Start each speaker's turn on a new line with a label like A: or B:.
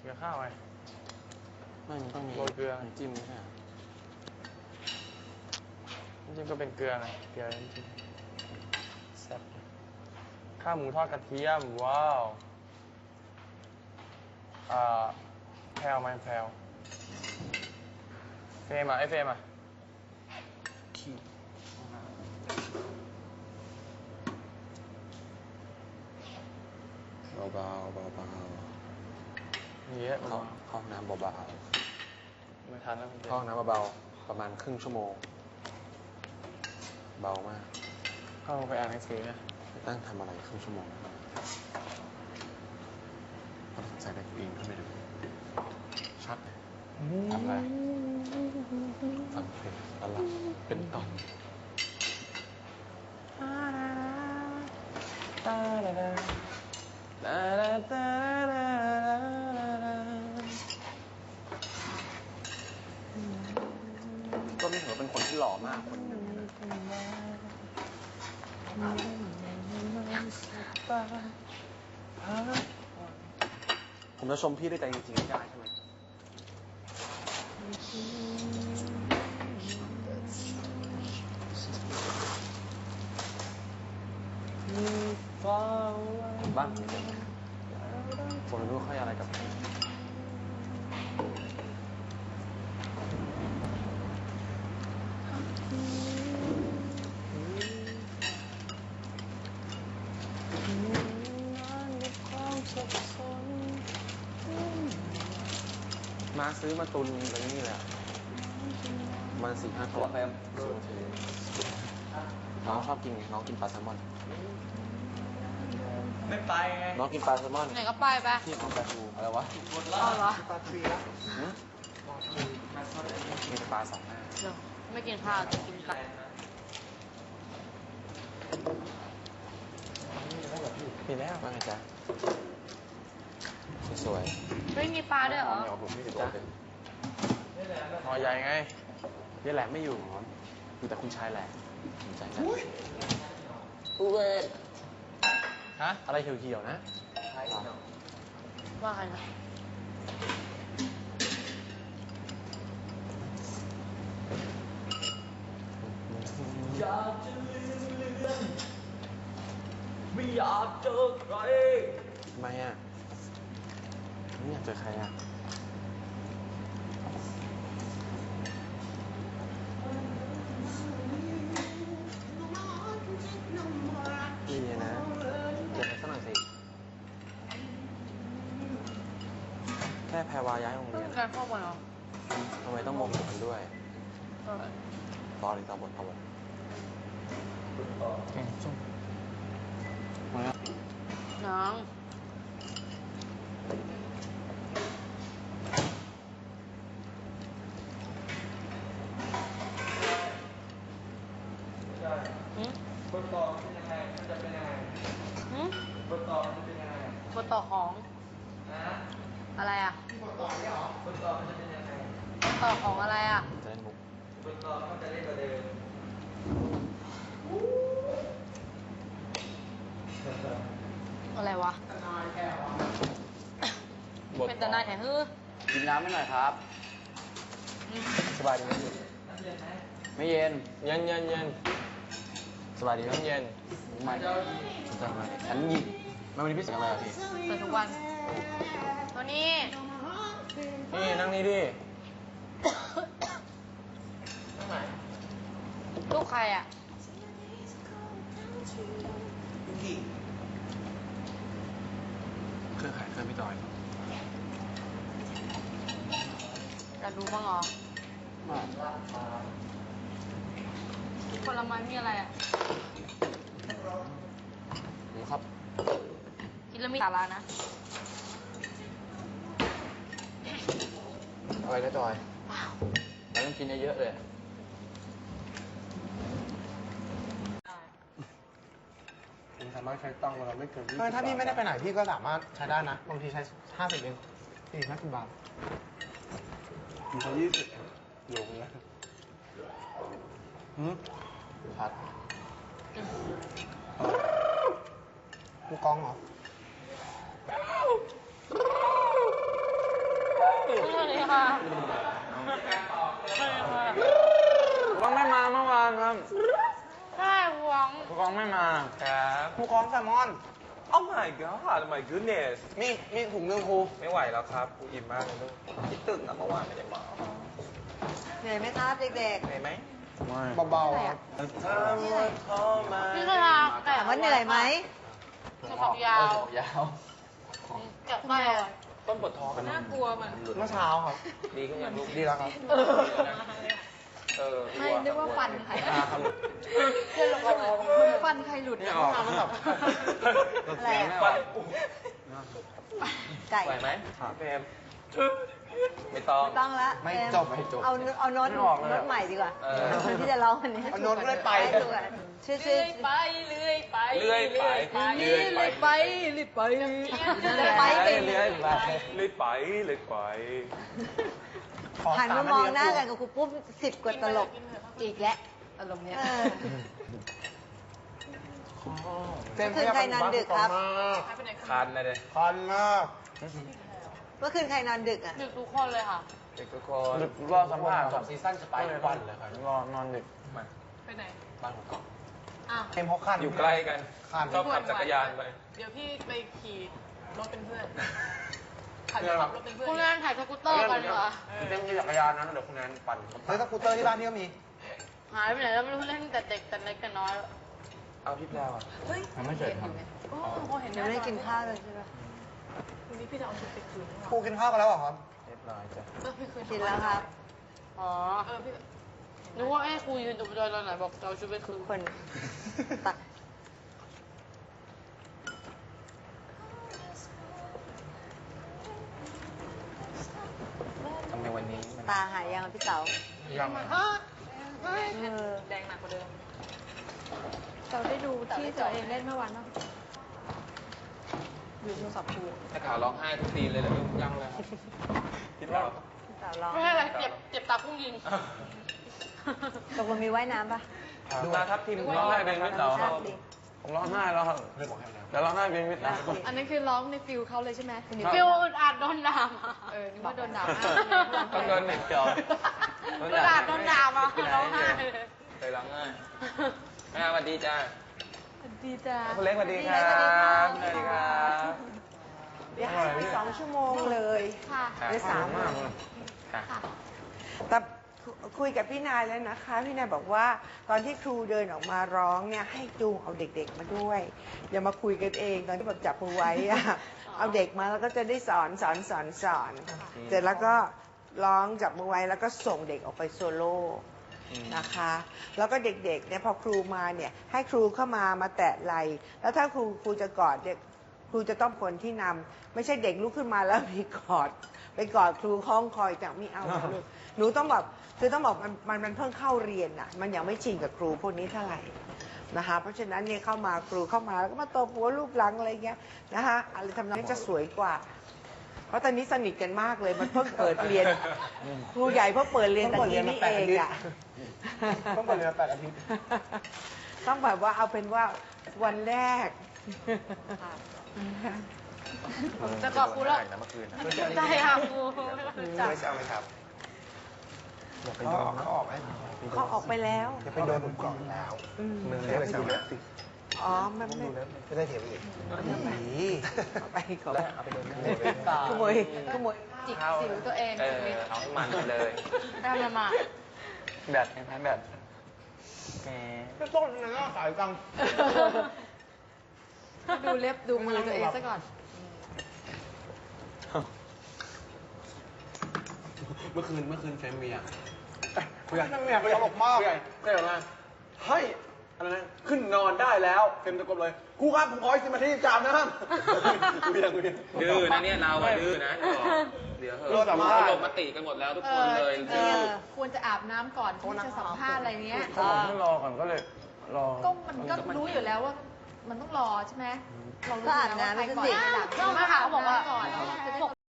A: ลือข้าวไง
B: ไม่มันต้องมี
A: โรยเกลือ
B: น้ำจิ้มใช่ไหม
A: น้ำจิ้มก็เป็นเกลือไงเกลือน้ำจิ้มแซ่บข้าวหมูทอดกระเทียมว้าวแพรวไหมแพรวเฟรมไอเฟรม
B: ขี้เบา
A: มีเยอะ
B: เข้าห้องน้ำเบา
A: ๆไม่ทันแล้วคุณเจ
B: ห้องน้ำเบาๆประมาณครึ่งชั่วโมงเบามาก
A: เข้าไปอ่านหนังสือนะ
B: ตั้งทำอะไรครึ่งชั่วโมงเขาสนใจได้ตัวเองขึ้นไปดูชัดทำอะไรฟังเพลงแล้วหลับเป็นตอนก็ไม่ถือว่าเป็นคนที่หล่อมากคนหนึ่งผมจะชมพี่ด้วยใจจริงๆได้ใช่ไหมบ้านผมเป็นผมไม่รู้เขาอะไรกับมาซื้อมาตุนอะไรนี่แหละมัน4-5 ตัวน้องชอบกินน้องกินปลาแซลมอน
A: ไม่ไปไง
B: น้องกินปลาแซลมอน
C: ไหนก็ไปปะ
B: ที่เอาปลาทูอะไรวะ
C: เอาเหรอ
A: ปลาทีละ
B: มีปลา2 หน้า
C: เดี๋ยวไม่กินข้าวจะกินไก่
A: มีแล้ว
B: ว่าไงจ๊ะสวย
C: ไม่มีปลาด้วยเหรอ
B: ๆผมไม่ได้จ้ะ
A: หอใหญ่ไง
B: นี่แหละไม่อยู่อยู่แต่คุณชายแหละสนใจนะ
A: ฮะ
B: อะไรเขียวๆนะ
C: ว่าใครนะ
A: อยากจะลืมไม่อยากเจอใคร
B: ทำไมอ่ะไม่อยากเจอใครอ่ะดีนะเดี๋ยวไปสักหน่อยสิแค่แพรวาย้ายโรงเรียน
C: การเข้ามาเหรอ
B: ทำไมต้องโมโหกันด้วยต่อบท
A: แกงส้ม
C: น้อง
A: บทต่อเป็นยังไงมันจะเป็นยังไงบทต่อมันจะเป็นยังไง
C: บทต่อของอะไรอ่ะ
A: บทต่อเนี่ยหรอบทต่อมันจะเป็นยังไง
C: บทต่อของอะไรอ่ะ
B: จะเล่นมุก
A: บทต่อมันจะเล่นกว่าเดิม
C: อะไรวะเป็นตาหน้าแถฮือ
B: กินน้ำไม่หน่อยครับสบายดีไหมพี่ไม่เย็น
A: เย็น
B: สบายดีไหม
A: เย็น
B: ไม่สนใจไหมฉันยิงไม่วันนี้พี่เสียงอะไรอ่ะพี่
C: เปิดทุกวันตัวนี้
A: นี่นั่งนี่ดินั่งไหน
C: ลูกใครอ่ะ
B: เครื่องขายเครื่องพี่จอย
C: อยากดูบ้างเหรอผลไม้มีอะไรอ่ะ
B: ครับ
C: กินแล้วมีสาระนะ
B: อะไรนะจอยเราต้องกินเยอะๆเลย
A: ผมสามารถใช้ตังค์เราไม่เกิน20
D: ถ้าพี่ไม่ได้ไปไหนพี่ก็สามารถใช้ได้นะ บางทีใช้50เอง50 บาท
A: มีเขา20อยู่นะ
B: พัด
D: กูกองเหรอ
C: สวัสดีค่ะ
A: ก็ไม่มาเมื่อวานครับ
C: ใช่หวัง
A: ผู้กองไม่มา
E: ครับ
D: ครูคล้องแซลมอน
E: Oh my god Oh my goodness
D: มีถุงนึงครู
E: ไม่ไหวแล้วครับกูอิ่มมากเลยลูกคิดตึกนะเมื่อวานไม่ได้มา
F: เหนื่อยไหมครับเด็ก
E: เหนื่อยไหม
A: ไม่
D: เบาๆครับ
C: พี่กระลา
F: ๆถามว่าเหนื่อยไหม
C: กระบอกยาว
B: ยาว
C: เกับได้อะ
E: ต้นปวดท้อง
C: น่ากลัวมัน
D: เมื่อเช้าครับ
E: ดีขึ้นยังลูก
D: ดีแล้วครับ
C: ไม่นึกว่าฟันใคร
E: ครับ
C: ฟันใครหลุด
A: ไม่ออก
F: อะไรอะ
E: ฟัน
F: ไก่
E: ไหวไหมเฟรมไม่ต้อง
F: ไม่ต้องละ
D: ไม่
F: เอ็ม
D: จบไม่จบ
F: เอาโน้ต
A: ไม่ออกเลย
F: โน้ตใหม่ดีกว่า
E: เออ
F: คนที่จะร้องวันนี้
D: เอาโน้ตเรื่อยไป
F: ให้ดูก่อนชื่อ
C: เลื่อยไปเลื่อยไป
E: เลื่อยไป
C: เลื่อยไปเลื่อยไปเลื่อยไป
A: เรื่อยๆไป
E: เลื่อยไปเลื่อยไป
F: หันมามองหน้ากันกับครูปุ้ม10 กว่าตลก
C: อีกแล้วอารมณ์เนี้ย
F: เออ
D: เฟรมขยับไปอยู่บ้านครูคล้องมาก
E: คันนะเด้
D: คันมาก
F: เมื่อคืนใครนอนดึกอ่ะ
C: ดึกทุกคนเลยค่ะ
E: เด็กทุกคน
A: ดึกรอสัมภาษณ์
B: จบซีซั่นจะไปทุกวันเลยครับ
A: รอนอนดึก
E: มา
C: ไปไหน
B: บ้านผมก่อน
C: อ้าว
D: เฟรมเขาคัน
E: อยู่ใกล้กัน
D: คัน
E: ชอบขับจักรยานไป
G: เดี๋ยวพี่ไปขี่รถเป็นเพื่อนขับรถเป็นเพื่อน
C: คุณแอนถ่ายสกูตเตอร์กันเหรอ
B: เล่นจักรยานนะเดี๋ยวคุณแนนปั่น
D: เฮ้ยสกูตเตอร์ที่บ้านพี่ก็มี
C: หายไปไหนแล้วไม่รู้เล่นแต่เด็กแต่เล็กแต่น้อย
E: เอาพี่แพรวอ่ะ
A: ยังไม่เสร็จครับ
G: โอ้พอเห็น
F: ยังไม่ได้กินข้าวเลยใช่ปะ
G: วันนี้พี่จะเอาชุดไปคืนหรือเป
D: ครู
G: ล่า
D: กินข้าวกันแล้วเหรอครับ
E: เรียบร้อยจ้ะ
G: พี่คืน
F: กินแล้วครับ
C: อ๋อ
G: พี่
C: นึกว่าไอ้ครูยืนตรงบันไดตอนไหนบอกจะเอาชุดไปคืน
F: คนตัก
E: ทำไมวันนี้มัน
F: ตาหายยังอะพี่เต๋า
A: ยัง
G: แดงหนักกว่าเดิม
C: เราได้ดูที่ตัวเองเล่นเมื่อวานป่ะ
G: ดูโทรศัพท์ครู
E: ถ้าขาวร้องไห้ทุกทีเลยเหรอลูกยังเลยครับพี่แพรว
F: พี่เต๋าร้อง
C: ไม่ใช่อะไรเจ็บตาพุ่งยิง
F: ตกลงมีว่ายน้ำปะ
E: ดูมาครับทีม
A: ร้องไห้เป็นมิตรเหรอ
F: ครับดิ
A: ผมร้องไห้แล้วครับ
B: เรื่องของแฮมแล้ว
A: แต่ร้องไห้เป็นมิตรนะ
G: อันนั้นคือร้องในฟิลเขาเลยใช่ไหม
C: ฟิลอึดอัดโดนด่ามา
G: นึกว่าโดนด่า
E: ต้องเดินหนึ่งเดียว
C: อึดอัดโดนด่ามาร้องไห้เลย
E: เคยร้องไห้แม่สวัสดีจ้า
G: ดีจ้า
E: คุณเล็กสวัสดีครับสวัสดีครับ
H: เดี๋ยวให้ไป2 ชั่วโมงเลย
C: ค่ะ
H: หรือ3
A: มากเลย
E: ค่ะ
H: แต่คุยกับพี่นายแล้วนะคะ พี่นายบอกว่าตอนที่ครูเดินออกมาร้องเนี่ยให้จูงเอาเด็กๆมาด้วย อย่ามาคุยกันเองตอนที่แบบจับมือไว้อะเอาเด็กมาแล้วก็จะได้สอนเสร็จแล้วก็ร้องจับมือไว้แล้วก็ส่งเด็กออกไปโซโล่นะคะ แล้วก็เด็กๆเนี่ยพอครูมาเนี่ยให้ครูเข้ามาแตะไหล่แล้วถ้าครูจะกอดเด็กครูจะต้องคนที่นำไม่ใช่เด็กลุกขึ้นมาแล้วไปกอดครูคล้องคอยจับไม่เอานะลูกหนูต้องแบบคือต้องบอกมันเพิ่งเข้าเรียนอ่ะมันยังไม่ชินกับครูพวกนี้เท่าไหร่นะคะเพราะฉะนั้นเนี่ยเข้ามาครูเข้ามาแล้วก็มาตบหัวลูกหลังอะไรเงี้ยนะคะอะไรทำนองนี้จะสวยกว่า เพราะตอนนี้สนิทกันมากเลยมันเพิ่งเปิดเรียนครูใหญ่เพิ่งเปิดเรียนแต่นี้นี่เองอ่ะ
D: ต้องเปิดเรียน8 อาทิตย์
H: ต้องแบบว่าเอาเป็นว่าวันแรก
C: จะกอบครูแล้ว
B: เมื่อคืน
C: ใจค่ะครู
E: ไม่ใช่ไหมครับ
D: เขาออกไหม
H: เขาออกไปแล้ว
D: อย่าไปโดนผมก่อนแล้ว
E: มึงเรียกอะไรนะ
H: อ๋อมันไม่
D: ไม่ได้เถียงอีก
H: เอาไปขอ
E: แล้วเอาไปโดน
H: ขโมย
G: จิกสิวตัวเอง
E: เอาให้มันไปเลย
C: ได้มามา
A: แบตไงแบตแหม
D: ก็ต้นนะสายจัง
G: ดูเล็บดูมือตัวเองซะก่อน
B: เมื่อคืนเฟรมมีอ่ะ
D: ผู้ใหญ่เนี่ยตลกมาก
B: ผู้ใหญ่ก็อย่างนั้นให้อะไรนะขึ้นนอนได้แล้วเฟรมตะโกนเลยครูครับผมขออีก10 นาทีจามนะครับเวียง
E: ดื้อนะเนี่ยเราอะดื้อนะเดี๋ยวเหอะเขาลงมติกันหมดแล้วทุกคนเลยดื้อ
G: ควรจะอาบน้ำก่อนที่จะสัมภาษณ์อะไรเงี้ย
A: ผมเพิ่งรอก่อนก็เลยรอ
G: ก็มันก็รู้อยู่แล้วว่ามันต้องรอใช่ไหมเรารู้
F: ก็
G: อ
F: อาบ
G: ยู่แล้วว่า
F: น้ำ
G: ใคร
F: ไป
G: ก่อน
F: สิ
G: ใครหลัง
C: ก็มาค่ะเขาบอกว่า
G: ก่อน
C: ป